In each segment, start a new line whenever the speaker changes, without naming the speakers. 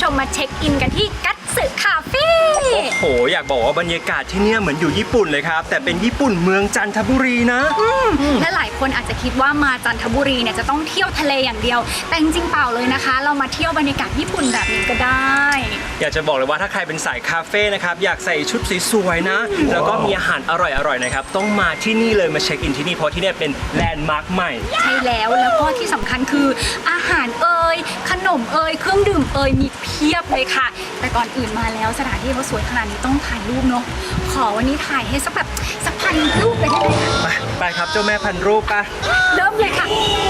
มมาเช็คอินกันที่กัตสึคาเฟ่
โอ้โหอยากบอกว่าบรรยากาศที่เนี่ยเหมือนอยู่ญี่ปุ่นเลยครับแต่เป็นญี่ปุ่นเมืองจันทบุรีนะ
และหลายคนอาจจะคิดว่ามาจันทบุรีเนี่ยจะต้องเที่ยวทะเลอย่างเดียวแต่จริงๆเปล่าเลยนะคะเรามาเที่ยวบรรยากาศญี่ปุ่นแบบนี้ก็ได้
อยากจะบอกเลยว่าถ้าใครเป็นสายคาเฟ่นะครับอยากใส่ชุดสวยๆนะแล้วก็มีอาหารอร่อยๆนะครับต้องมาที่นี่เลยมาเช็คอินที่นี่เพราะที่นี่เป็นแลนด์มาร์คใหม่
ใช่แล้วก็ที่สำคัญคืออาหารขนมเครื่องดื่มมีเพียบเลยค่ะแต่ก่อนอื่นมาแล้วสถานที่เขาสวยขนาดนี้ต้องถ่ายรูปเนาะขอวันนี้ถ่ายให้สักพันรูปเลยได้ไหมคะ
ไปครับเจ้าแม่พันรูปป่ะ
เริ่มเลยค่ะ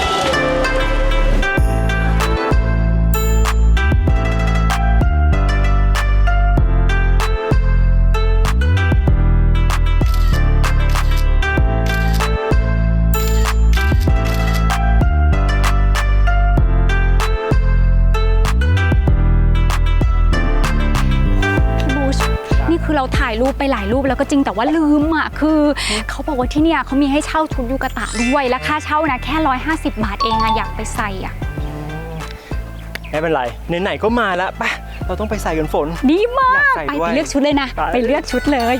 คือเราถ่ายรูปไปหลายรูปแล้วก็จริงแต่ว่าลืมคือเขาบอกว่าที่เนี่ยเขามีให้เช่าชุดยูกะตะด้วยและค่าเช่านะแค่150 บาทเองอยากไปใส่
ไม่เป็นไรไหนๆก็มาแล้วไปเราต้องไปใส่กันฝน
ดีมากไปเลือกชุดเลยนะไปเลือกชุดเลย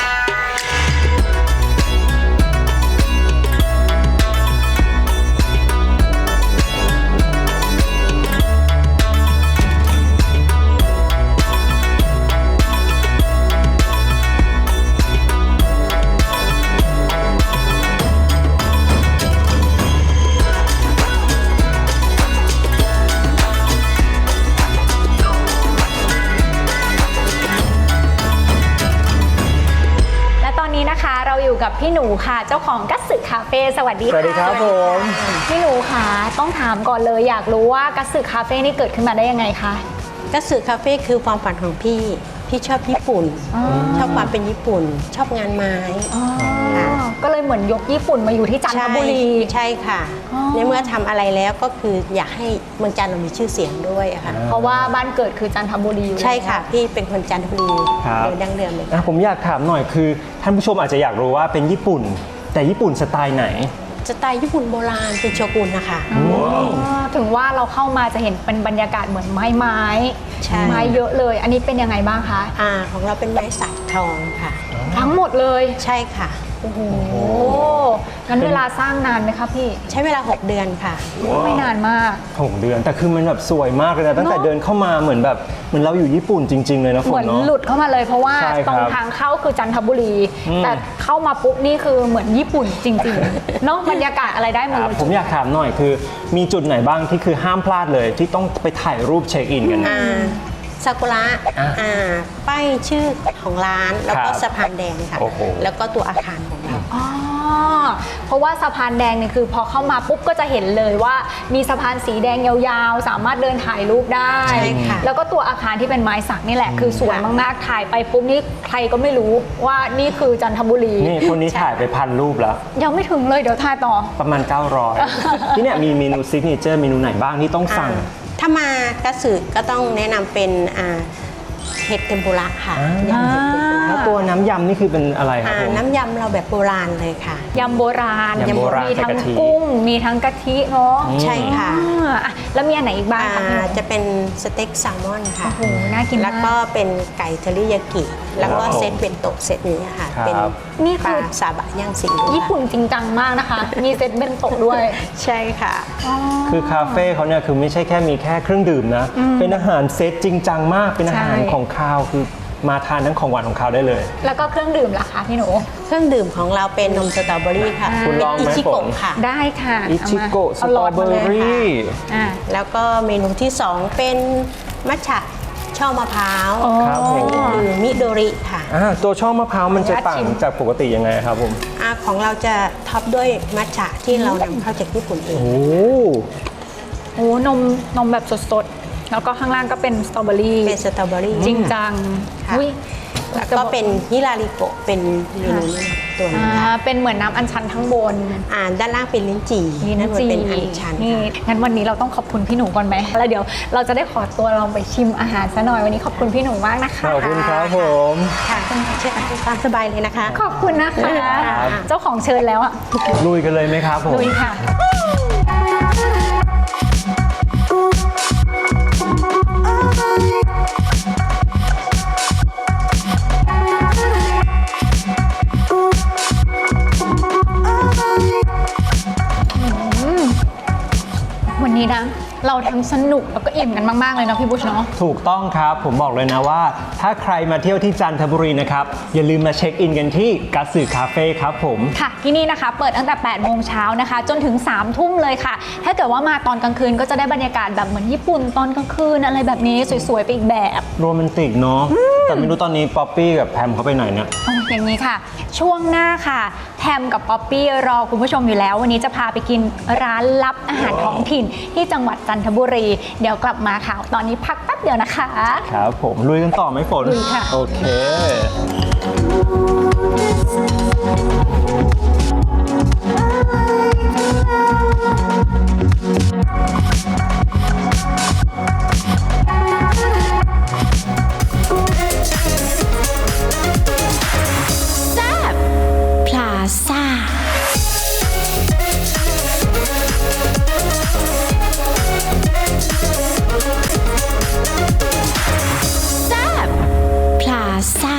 เราอยู่กับพี่หนูค่ะเจ้าของกัตสึคาเฟ่สวัสดีค่ะ
สวัสดีครับผม
พี่หนูค่ะต้องถามก่อนเลยอยากรู้ว่ากัตสึคาเฟ่นี่เกิดขึ้นมาได้ยังไงคะ
กัตสึคาเฟ่คือความฝันของพี่ชอบญี่ปุ่นชอบความเป็นญี่ปุ่นชอบงานไม้
ก็เลยเหมือนยกญี่ปุ่นมาอยู่ที่จันทบุรี
ใช่ค่ะในเมื่อทำอะไรแล้วก็คืออยากให้เมืองจันทร์มีชื่อเสียงด้วยค่ะ
เพราะว่าบ้านเกิดคือจันทบุรี
ใช่ค่ะพี่เป็นคนจันทบุรีโดยดั้งเดิมเลย
ผมอยากถามหน่อยคือท่านผู้ชมอาจจะอยากรู้ว่าเป็นญี่ปุ่นแต่ญี่ปุ่นสไตล์ไหน
สไตล์ญี่ปุ่นโบราณเป็นโชกุนนะคะ
ถึงว่าเราเข้ามาจะเห็นเป็นบรรยากาศเหมือนไม้เยอะเลยอันนี้เป็นยังไงบ้างคะ
ของเราเป็นไม้สักทองค่ะ
ทั้งหมดเลย
ใช่ค่ะ
โอ้โหงั้นเวลาสร้างนานไหมคะพี่
ใช้เวลา6 เดือนค่ะ
ไม่นานมาก
6 เดือนแต่คือมันแบบสวยมากเลยนะตั้งแต่เดินเข้ามาเหมือนเราอยู่ญี่ปุ่นจริงๆเลยนะฝนเนาะ
เหมือนหลุดเข้ามาเลยเพราะว่าตรงทางเข้าคือจันทบุรีแต่เข้ามาปุ๊บนี่คือเหมือนญี่ปุ่นจริงๆเนาะบรรยากาศอะไรได้หมดเลย
ผมอยากถามหน่อยคือมีจุดไหนบ้างที่คือห้ามพลาดเลยที่ต้องไปถ่ายรูปเช็คอินกัน
ซากุระป้ายชื่อของร้านแล้วก็สะพานแดงค่ะแล้วก็ตัวอาคารของเรา
เพราะว่าสะพานแดงเนี่ยคือพอเข้ามาปุ๊บก็จะเห็นเลยว่ามีสะพานสีแดงยาวๆสามารถเดินถ่ายรูปได้แล้วก็ตัวอาคารที่เป็นไม้สักนี่แหละคือสวยมากๆถ่ายไปปุ๊บนี่ใครก็ไม่รู้ว่านี่คือจันทบุรี
นี่คนนี้ถ่ายไป1,000 รูปแล้ว
ยังไม่ถึงเลยเดี๋ยวถ่ายต่อ
ประมาณ900ที่เนี่ยมีเมนูซิกเนเจอร์เมนูไหนบ้างที่ต้องสั่ง
ถ้ามากัตสึก็ต้องแนะนำเป็นเห็ดเทมปุระค่ะ
ยำเห็ดเทมปุระแล้วตัวน้ำยำนี่คือเป็นอะไรครับ
น้ำยำเราแบบโบราณเลยค่ะ
ยำโบราณมีทั้งกุ้งมีทั้งกะทิเนาะ
ใช่ค่ะ
แล้วมีอันไหนอีกบ้าง
จะเป็นสเต็กแซลมอนค่ะ
โอ้โหน่ากิน
แล้วก็เป็นไก่เทริยากิแล้วก็เซตเป็นโตะเซตนี้ค่ะเป็น
นี่คือ
ซาบะย่างซี
ญี่ปุ่นจริงจังมากนะคะมีเซตเป็นโตะด้วย
ใช่ค่ะ
คือคาเฟ่เขาเนี่ยคือไม่ใช่แค่มีแค่เครื่องดื่มนะเป็นอาหารเซตจริงจังมากเป็นอาหารของคาวคือมาทานทั้งของหวานของคาวได้เลย
แล้วก็เครื่องดื่มล่ะคะพี่หนู
เครื่องดื่มของเราเป็นนมสตรอเบอรี่ค่ะ
คุณลองไหมผม
ค่ะ
ได้ค่ะ
อิชิโกะสตรอเบอรี่
แล้วก็เมนูที่2เป็นมัทฉะช่อมะพร้าวคือมิโดริค่ะ
ตัวช่อมะพร้าวมันจะต่างจากปกติยังไงครับผม
ของเราจะท็อปด้วยมัทฉะที่เรานำเข้าจากญี่ปุ่นเอง
โอ้นมแบบสดๆแล้วก็ข้างล่างก็เป็นสตรอเบอรี่จริงจัง
แล้วก็เป็นฮิราริโกะเป็นเมนูตัวนี้
เป็นเหมือนน้ำอัญชันทั้งบน
ด้านล่างเป็นลิ้นจี่นั่นเป็นอัญชัน
นี่งั้นวันนี้เราต้องขอบคุณพี่หนูก่อนไหมแล้วเดี๋ยวเราจะได้ขอตัวลองไปชิมอาหารซะหน่อยวันนี้ขอบคุณพี่หนูมากนะคะ
ขอบคุณครับผม
ค่ะเชิญตามสบายเลยนะคะ
ขอบคุณนะคะเจ้าของเชิญแล้ว
ลุยกันเลยไหมครับผม
ลุยค่ะทั้งสนุกแล้วก็อิ่มกันมากๆเลยเนาะพี่บุชเนาะ
ถูกต้องครับผมบอกเลยนะว่า ถ้าใครมาเที่ยวที่จันทบุรีนะครับอย่าลืมมาเช็คอินกันที่กัตสึคาเฟ่ครับผม
ค่ะที่นี่นะคะเปิดตั้งแต่8โมงเช้านะคะจนถึง3ทุ่มเลยค่ะถ้าเกิดว่ามาตอนกลางคืนก็จะได้บรรยากาศแบบเหมือนญี่ปุ่นตอนกลางคืนอะไรแบบนี้สวยๆไปอีกแบบ
โรแมนติกเนาะแต่ไม่รู้ตอนนี้ป๊อปปี้กับแพมเขาไปไหนเนี่ย
อย่างนี้ค่ะ ช่วงหน้าค่ะแพมกับป๊อปปี้รอคุณผู้ชมอยู่แล้ว วันนี้จะพาไปกินร้านลับอาหารท้องถิ่นที่จังหวัดจันทบุรี เดี๋ยวกลับมาค่ะ ตอนนี้พักแป๊บเดียวนะคะ
ครับผมลุยกันต่อไหมฝน
ลุยค่ะ
โอเค
พลาซ่า แซบพลาซ่า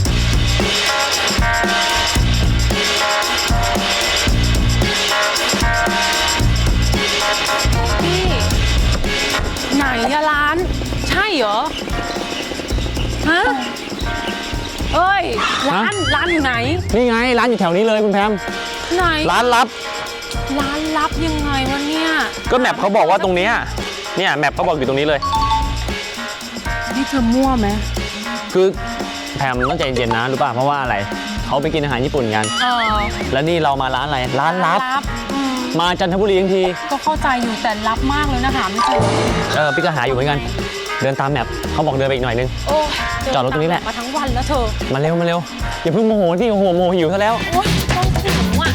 พี่ไหนอะร้าน ใช่เหรอ ฮะ เอ้ย ร้านอยู่ไหน
นี่ไงร้านอยู่แถวนี้เลยคุณแพม
ไหน
ร้านลับ
ร้านลับยังไงวะเนี่ย
ก็แมปเขาบอกว่าตรงเนี้ยเนี่ยแมปเขาบอกอยู่ตรงนี้เลย
นี่เธอมั่วไหม
คือแพมต้องใจเย็นๆนะรู้ป่ะเพราะว่าอะไรเขาไปกินอาหารญี่ปุ่นกัน แล้วนี่เรามาร้านอะไรร้านลับ
อืม
มาจันทบุรีทั้งที
ก็เข้าใจอยู่แต่ลับมากเลยนะหาไม่เจอ
พี่ก็หาอยู่เหมือนกัน เดินตามแมปเขาบอกเดินไปอีกหน่อยนึง
โอ้ย
จอดรถตรงนี้แหละ
มาทั้งวันแล้วเธอ
มาเร็วมาเร็วอย่าเพิ่งโมโหที่โอ้โหโมโหหิวซะแล้ว
โอ๊ยต้องหิวอ่ะ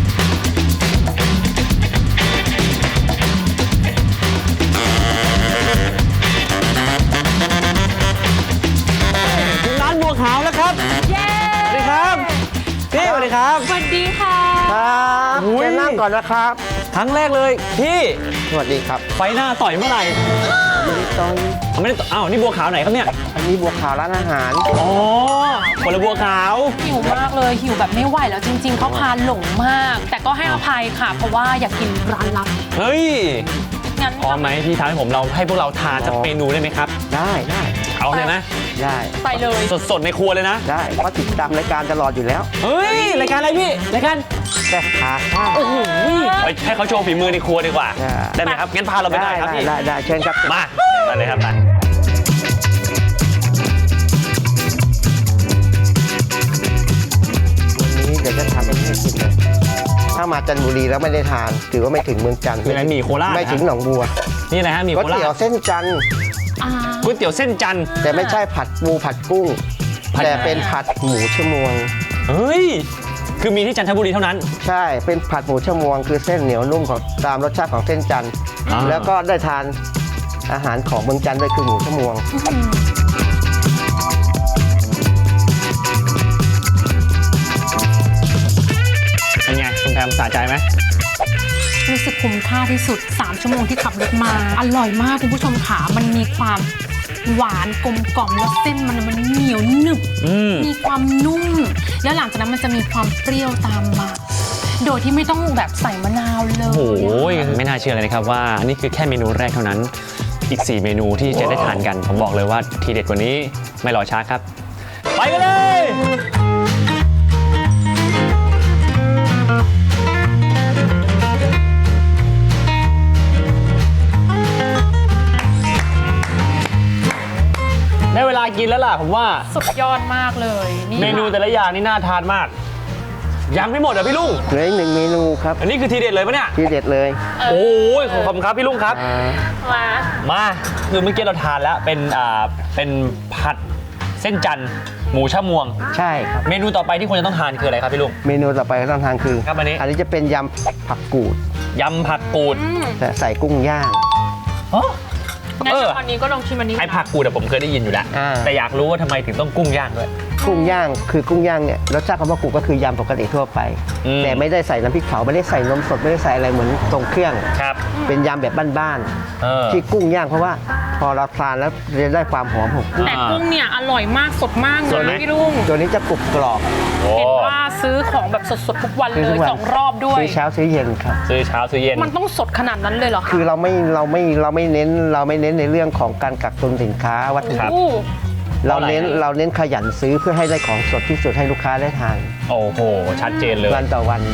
ถึงร้านบัวขาวแล้วครับเย้สวัสดีครับพี่สวัสดีครับ
สวัสดีค่ะ
ครับเชิญนั่งก่อนนะครับครั้งแรกเลยพี่
สวัสดีครับ
ไฟหน้าต่อยเมื่อไหร่
ตอน
ไม่ได้ต่อยอ้าวนี่บัวขาวไหนครับเนี่ย
อันนี้บัวขาวร้านอาหาร
อ๋อคนละบัวขาว
หิวมากเลยหิวแบบไม่ไหวแล้วจริง ๆเขาพาหลงมาก แต่ก็ให้อภัยค่ะ เพราะว่าอยากกินร้านลับ
เฮ้ย
งั้น
พร้อมไหมที่ทานให้ผมเราให้พวกเราทานจากเมนูได้ไหมครับ
ได้ได้
เอาเลยนะ
ได้
ไปเลย
สดๆในครัวเลยนะ
ได้เพราะติดตามรายการตลอดอยู่แล้ว
เฮ้ย รายการอะไรพี่ รายการ
แต่พาข้าว
โอ้โหไปให้เขาโชว์ฝีมือในครัวดีกว่า
ได้
ได้ไหมครับ งั้นพาเราไปได้ครับพี่
ได้เชิญครับ
มาไปเลยครับไป
วันนี้เดี๋ยวจะทำให้กินเลยถ้ามาจันทบุรีแล้วไม่ได้ทาน ถือว่าไม่ถึงเมืองจันทร์
คืออะไรหมี่โคราช
ไม่ถึงหนองบัว
นี่นะฮะหมี่
ก๋วย
โครา
เตี๋ยว
ช
เส้นจันทร์
ก๋วยเตี๋ยวเส้นจันทร์
แต่ไม่ใช่ผัดปูผัดกุ้ง
ผัด
แต่เป็นผัดหมูชะมวง
เฮ้ย คือมีที่จันทบุรีเท่านั้น
ใช่เป็นผัดหมูชะมวง คือเส้นเหนียวนุ่มของตามรสชาติของเส้นจันทร์
อ่า
แล้วก็ได้ทานอาหารของเมืองจันทร์ด้วยคือหมูชะมวง
เป็นไงคุณแพมสะใจไหม
รู้สึกคุ้มค่าที่สุด 3 ชั่วโมงที่ขับรถมา อร่อยมากคุณผู้ชมค่ะมันมีความหวานกลมกล่อมแล้วเส้นมันเหนียวหนึบ มีความนุ่ม แล้วหลังจากนั้นมันจะมีความเปรี้ยวตามมา โดยที่ไม่ต้องแบบใส่มะนาวเลย
โอ้โหไม่น่าเชื่อเลยนะครับว่านี่คือแค่เมนูแรกเท่านั้น อีก 4 เมนูที่จะได้ทานกัน ผมบอกเลยว่าทีเด็ดกว่านี้ไม่รอช้าครับ ไปกันเลย ได้เวลากินแล้วล่ะผมว่า
สุดยอดมากเลยนี่
เมนูแต่ละอย่างนี่น่าทานมากยังไม่หมดเหรอพี่ลุง
เหลืออีกหนึ่งเมนูครับ
อันนี้คือทีเด็ดเลยปะเนี่ย
ที่เด็ดเลย
โอ้ยขอบคุณครับพี่ลุงครับ
มา
มาคือเมื่อกี้เราทานแล้วเป็นผัดเส้นจันทร์หมูชะมวง
ใช่ครับ
เมนูต่อไปที่ควรจะต้องทานคืออะไรครับพี่ลุง
เมนูต่อไปที่ต้องทานคือ
ครับอันนี้
จะเป็นยำผักกูด
ยำผักกูด
แต่ใส่กุ้งย่าง
อ๋อ
งั้นอันนี้ก็ลองชิมอันนี้
ไอ้ผักกูดผมเคยได้ยินอยู่แล้ว แต่อยากรู้ว่าทำไมถึงต้องกุ้งย่างด้วย
กุ้งย่างคือกุ้งย่างเนี่ยรสชาติของผักกูดก็คือยำปกติทั่วไป แต่ไม่ได้ใส่น้ำพริกเผาไม่ได้ใส่นมสดไม่ได้ใส่อะไรเหมือนตรงเครื่อง
ครับ
เป็นยำแบบบ้าน
เออ
ๆที่กุ้งย่างเพราะว่าพอเราทานแล้วจะได้ความหอมของกุ้ง
แต่กุ้งเนี่ยอร่อยมากสดมากเล
สดไหม
ยพี่ลุง
ตัวนี้จะกรุบกรอบ
โอ้
เห็นว่าซื้อของแบบสดๆทุกวันเล
ซื้อทุ
ย
กวัน
2 รอบด้วย
ซื้อเช้าซื้อเย็นครับ
ซื้อเช้าซื้อเย็น
มันต้องสดขนาดนั้นเลยเหรอคะ
คือเราไม่เน้นในเรื่องของการกักตุนสินค้าวัตถุดิบ
โอ้
เราเน้นขยันซื้อเพื่อให้ได้ของสดที่สุดให้ลูกค้าได้ทาน
โอ้โห ชัดเจนเลย
วันต่อวัน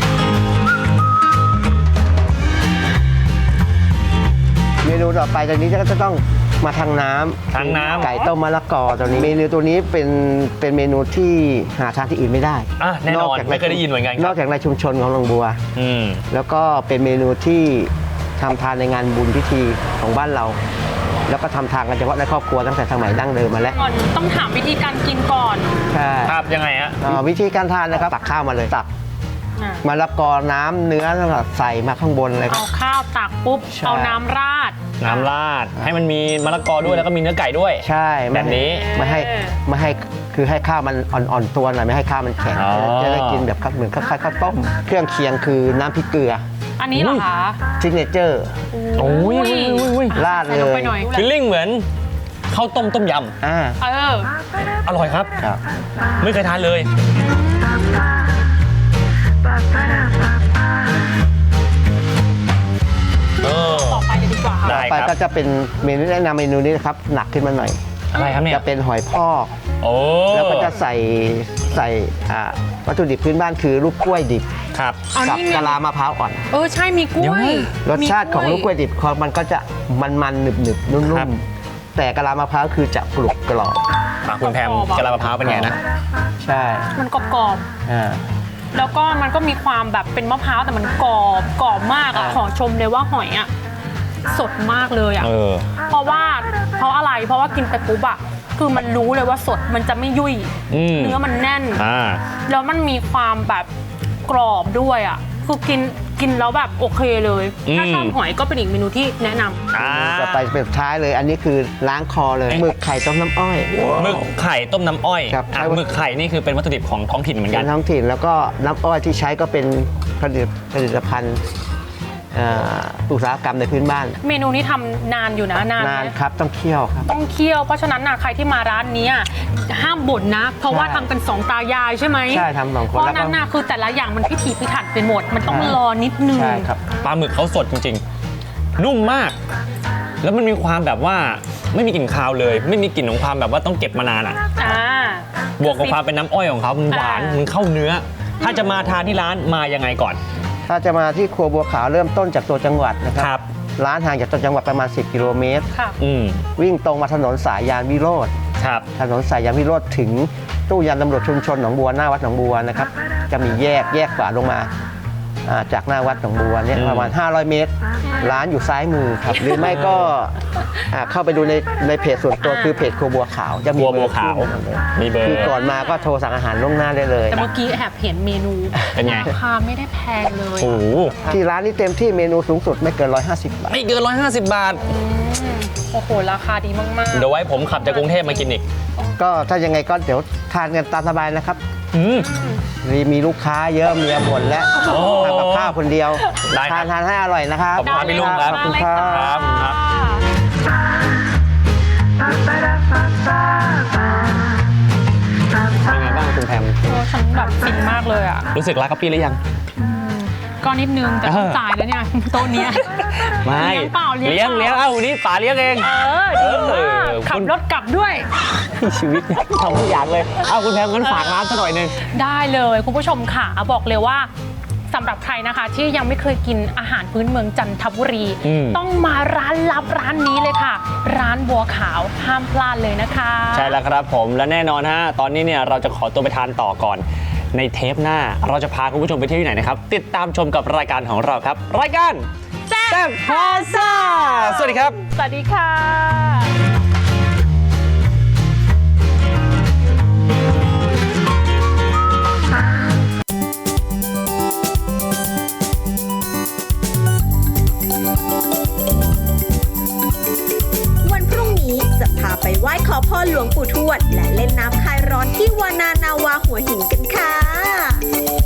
เมนูต่อไปตอนนี้ก็จะต้องมาทางน้ำ
ทางน้ำ
ไก่ต้มมะละกอตัวนี้เมนูตัวนี้เป็นเมนูที่หาทานที่อื่นไม่ได้
อ่ะแน่นอนไม่เคยได้ยินเหมือนกันครับ
นอกจากในชุมชนของหนองบัว
อืม
แล้วก็เป็นเมนูที่ทำทานในงานบุญพิธีของบ้านเรา แล้วก็ทำทานกันเฉพาะในครอบครัวตั้งแต่สมัยดั้งเดิมมาแล้ว
ก่อนต้องถามวิธีการกินก่อน
ใช่
ครับยังไงฮะ
วิธีการทานนะครับตักข้าวมาเลยตัก
อ่ะ
มะละกอน้ำเนื้อใส่มาข้างบนเลยค
เอา
รับ
ข้าวตักปุ๊บ
ใช่
เอาน้ำราด
น้ำราดให้มันมีมะละกอด้วยแล้วก็มีเนื้อไก่ด้วย
ใช่
แบบนี้
ไม่ให้คือให้ข้าวมันอ่อนๆตัวหน่อยไม่ให้ข้าวมันแข็ง
อ๋อ
จะได้กินแบบเหมือนคล้ายๆข้าวต้มเครื่องเคียงคือน้ำพริกเกลือ
อันนี้เหรอคะ
ซิกเนเจอร์
โอ้ย
ราด
ใส่
เล
ลง
ย
ไปหน่อย
ฟิลลิ่งเหมือนข้าวต้มต้มย
อ่า
เออ
ำอร่อยครับ
ครับ
ไม่เคยทานเลย เออ
ต่อไปเลยดีกว่าค่ะ
ได้
ไป
ครับ
ก็จะเป็นเมนูแนะนำเมนูนี้นะครับหนักขึ้นมาหน่อย
อะไรครับเนี่ย
จะเป็นหอยพอก
โอ้
แล้วก็จะใส่วัตถุดิบพื้นบ้านคือลูกกล้วยดิบ
ครับ
เอา
กับ
นี่ไง
กะลามะพร้าวอ่อน
เออใช่มีกล้วย
รสชาติของลูกกล้วยดิบมันก็จะมันๆหนึบๆนุ่
ครั
ม
บ
ๆแต่กะลามะพร้าวคือจะกรุบกรอบ
อ่ะคุณแพมกะลามะพร้าวเป็นไงนะ
ใช่
มันกรอบ
อ่า
ๆแล้วก็มันก็มีความแบบเป็นมะพร้าวแต่มันกรอบมากอ่ะ
อ่า
ขอชมเลยว่าหอยอ่ะสดมากเลยอ่ะ
เออ
เพราะอะไรเพราะว่ากินไปปุ๊บอ่ะคือมันรู้เลยว่าสดมันจะไม่ยุ่ย
อืม
เนื้อมันแน่น
อ่า
แล้วมันมีความแบบกรอบด้วยอ่ะคือกินแล้วแบบโอเคเลย ถ้าชอบหอยก็เป็นอีกเมนูที่แนะนำ
อ่า
ต่อไปเป็นสุดท้ายเลย อันนี้คือล้างคอเลยหมึกไข่ต้มน้ำอ้อย
หมึกไข่ต้มน้ำอ้อย
ครับ
อ่ะหมึกไข่นี่คือเป็นวัตถุดิบของท้องถิ่นเหมือน
เป็
กัน
นท้องถิ่นแล้วก็น้ำอ้อยที่ใช้ก็เป็นผลิตภัณฑ์อุตสาหกรรมในพื้นบ้าน
เมนูนี้ทำนานอยู่นะนาน
นาน
ไหม
ครับต้องเคี่ยวครับ
ต้องเคี่ยวเพราะฉะนั้นนะใครที่มาร้านเนี้ยห้ามบ่นนะ เพราะว่า
ใช่
ทำกันสองตายายใช่ไหม
ใช่ทำสองคน
เพราะ
แล้วก็
นั้นนะคือแต่ละอย่างมันพิถีพิถันไปหมด มันต้องรอนิดนึง
ใช่ครับ
ปลาหมึกเขาสดจริงๆ นุ่มมาก แล้วมันมีความแบบว่าไม่มีกลิ่นคาวเลย ไม่มีกลิ่นของความแบบว่าต้องเก็บมานานอ่ะ
อ่า
บวกกับความเป็นน้ำอ้อยของเขามันหวาน
อ่ามั
มันเข้าเนื้อ ถ้าจะมาทานที่ร้านมายังไงก่อน
ถ้าจะมาที่ครัวบัวขาวเริ่มต้นจากตัวจังหวัดนะค
ครั
รับ ร้านห่างจากตัวจังหวัดประมาณ 10 กิโลเมตร
ค่ะ
อืม
วิ่งตรงมาถนนสายยานวิโรธ
ครับ
ถนนสายยานวิโรธถึงตู้ยามตำรวจชุมชนหนองบัวหน้าวัดหนองบัวนะครับจะมีแยกขวาลงมาจากหน้าวัดหนองบัวเนี่ย
อืม
ประมาณ 500 เมตร ร้านอยู่ซ้ายมือครับ หรือไม่ก็เข้าไปดูในเพจส่วนตัวคือเพจครัวบัวขาวจะมี
บัว
เบอ
บัว
ร์
ขาว
ขึ้นเลย
มีเบอร์
คือก่อนมาก็โทรสั่งอาหารล่วงหน้าได้เลย
แต่เมื่อกี้แอบเห็นเมนู
เป็นไง
ราคาไม่ได้แพงเลย
โอ้โห
ที่ร้านนี้เต็มที่เมนูสูงสุดไม่เกิน 150 บาท
ไม่เกิน 150 บาท
โอ้โหราคาดีมากๆ
เดี๋ยวไว้ผมขับจากกรุงเทพมากินอีก
ก็ถ้ายังไงก็เดี๋ยวทานกันตามสบายนะครับ
อืม
มีลูกค้าเยอะเมียบ่นและ
โอ้
ทำกับข้าวคนเดียว
ได้ครับ
ทานให้อร่อยนะครับ
ขอบคุณครับพี่ลุงครับ
ขอบคุณครับ
ครับครับ เป็นไงบ้างคุณแพม
โอ้ฉันแบบฟินมากเลยอ่ะ
รู้สึกรักกับพี่หรือยัง
ก็นิดนึงแต่ต้องจ่ายแล้วเนี่ยโต๊ะเนี้ย
ไม่
เลี้ยงเปล่าเลี้
เลี้ย
ย
ง
งเปล่า
เลี้ยงเอ้านี่ป๋าเลี้ยงเอง
ดีมาก
คุณ
ขับรถกลับด้วย
ชีวิตทำทุกอย่างเลย เอ้าคุณแพมงั้นฝากร้านซะหน่อยหนึง
ได้เลยคุณผู้ชมค่ะบอกเลยว่าสำหรับใครนะคะ ที่ยังไม่เคยกินอาหารพื้นเมืองจันทบุรี
อืม
ต้องมาร้านลับร้านนี้เลยค่ะ ร้านบัวขาวห้ามพลาดเลยนะคะ
ใช่แล้วครับผมและแน่นอนฮะตอนนี้เนี่ยเราจะขอตัวไปทานต่อก่อน ในเทปหน้าเราจะพาคุณผู้ชมไปเที่ยวที่ไหนนะครับ ติดตามชมกับรายการของเราครับ รายการแซ่บพาซ่าสวัสดีครับ
สวัสดีค่ะ
หลวงปู่ทวดและเล่นน้ำคลายร้อนที่วานานาวาหัวหินกันค่ะ